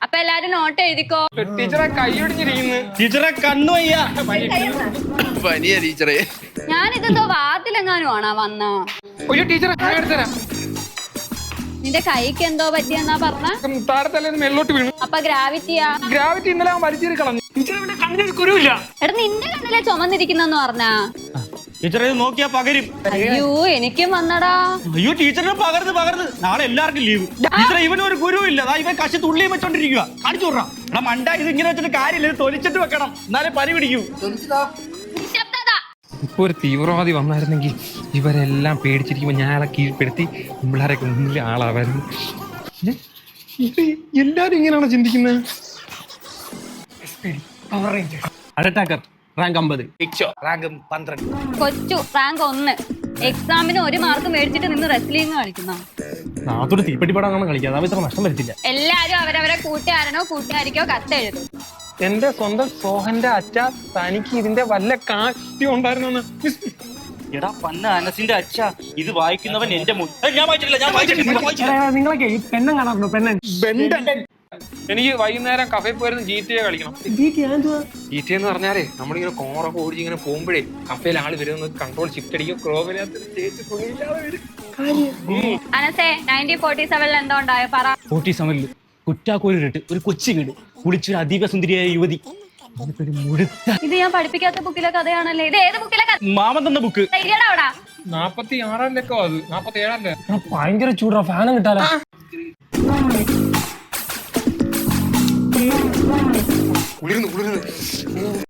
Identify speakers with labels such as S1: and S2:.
S1: അപ്പൊ എല്ലാരും നോട്ട് എഴുതിക്കോ.
S2: ടീച്ചറെ കൈയൊടിഞ്ഞിരിക്കുന്നു.
S3: ടീച്ചറെ കണ്ണു വയ്യ.
S4: പനിയാ ടീച്ചറെ.
S1: ഞാനിതെന്തോ വാർത്തിലെങ്ങാനും ആണോ വന്ന?
S2: ഒരു ടീച്ചറെ കൈ എടുത്തരാം.
S1: നിന്റെ കൈക്ക് എന്തോ പറ്റിയെന്നാ പറഞ്ഞ?
S2: താരത്തല്ലേന്ന് മേലോട്ട് വീണു.
S1: അപ്പൊ ഗ്രാവിറ്റിയാ?
S2: ഗ്രാവിറ്റി ഇന്നലെ അവൻ വലിച്ചേറി കളഞ്ഞു. ടീച്ചറെ കണ്ണിന് കുരുവില്ല.
S1: എടാ നിന്റെ കണ്ണിലെ ചുമന്നിരിക്കുന്നെന്ന് പറഞ്ഞാ?
S3: ടീച്ചറെ ഇത് നോക്കിയാ പകരും.
S1: അയ്യോ എനിക്കും വന്നടാ.
S3: അയ്യോ ടീച്ചറിന് പകർന്ന് നാളെ എല്ലാവർക്കും ലീവ്. ടീച്ചറെ ഇവനൊരു ഗുരുവില്ല. ഇവൻ കശി തുള്ളിയും വെച്ചോണ്ടിരിക്കുക. കാണിച്ചു വിടാം. എടാ മണ്ട, ഇത് ഇങ്ങനെ വെച്ചിട്ട് കാര്യമില്ല. ഇത് തൊലിച്ചിട്ട് വെക്കണം, എന്നാലേ പനി പിടിക്കൂ.
S1: നിശബ്ദത.
S2: ഇപ്പൊ ഒരു തീവ്രവാദി വന്നായിരുന്നെങ്കിൽ ഇവരെല്ലാം പേടിച്ചിരിക്കുമ്പോ ഞാൻ അയാളെ കീഴ്പ്പെടുത്തി പിള്ളേരൊക്കെ മുന്നിൽ ആളാവായിരുന്നു. എല്ലാരും ഇങ്ങനെയാണോ ചിന്തിക്കുന്നത്?
S3: Attacker rank 50, rank 12.
S1: കൊച്ചു റാങ്ക് 1. എക്സാമിന് 1 മാർക്ക് മേടിച്ചിട്ട് നിന്ന് റെസ്ലിംഗ് കളിക്കുന്ന.
S3: നാത്തോട് തീപ്പെട്ടിപ്പാടാണ് കളിക്കുക. അതാ ഇത്ര നഷ്ടം വരുത്തില്ല.
S1: എല്ലാരും അവരവരെ കൂട്ടുകാരനോ കൂട്ടുകാരിക്കോ കത്തെഴുതും.
S2: എന്റെ സ്വന്തം സോഹന്റെ അച്ഛ, തനിക്ക് ഇതിന്റെ വല്ല കാര്യം ഉണ്ടായിരുന്നു.
S3: എടാ പന്ന അനസിന്റെ അച്ഛ, ഇത് വായിക്കുന്നവൻ എന്റെ ഞാൻ വായിച്ചിട്ടില്ല.
S2: നിങ്ങളൊക്കെ ഈ പെണ്ണം കാണാറുണ്ടോ? പെണ്ണൻ. എനിക്ക് വൈകുന്നേരം കഫേ പോയിരുന്നു GTA കളിക്കണം. GTA എന്ന് പറഞ്ഞാലേ നമ്മളിങ്ങനെ കോറൊക്കെ ഓടിച്ച് ഇങ്ങനെ പോകുമ്പോഴേ കഫേയിൽ ആള് വരുന്നത് കൺട്രോൾ ഷിഫ്റ്റ് അടിക്കും.
S1: അനസേ 1947 എന്തോ ഉണ്ടായോ പറ.
S3: 47 കുറ്റാക്കോലിട്ട് ഒരു കൊച്ചു വീട് കുളിച്ചൊരു അതീവ സുന്ദരിയായ യുവതി.
S1: ഇത് ഞാൻ പഠിപ്പിക്കാത്ത ബുക്കിലെ കഥയാണല്ലേ. ഇത് ഏത് ബുക്കിലെ കഥ?
S3: മാമൻ തന്ന ബുക്ക്.
S2: 46 അത് 47
S3: ഭയങ്കര ചൂടാ, ഫാനും കിട്ടാലോ.
S2: കുളിർന്നു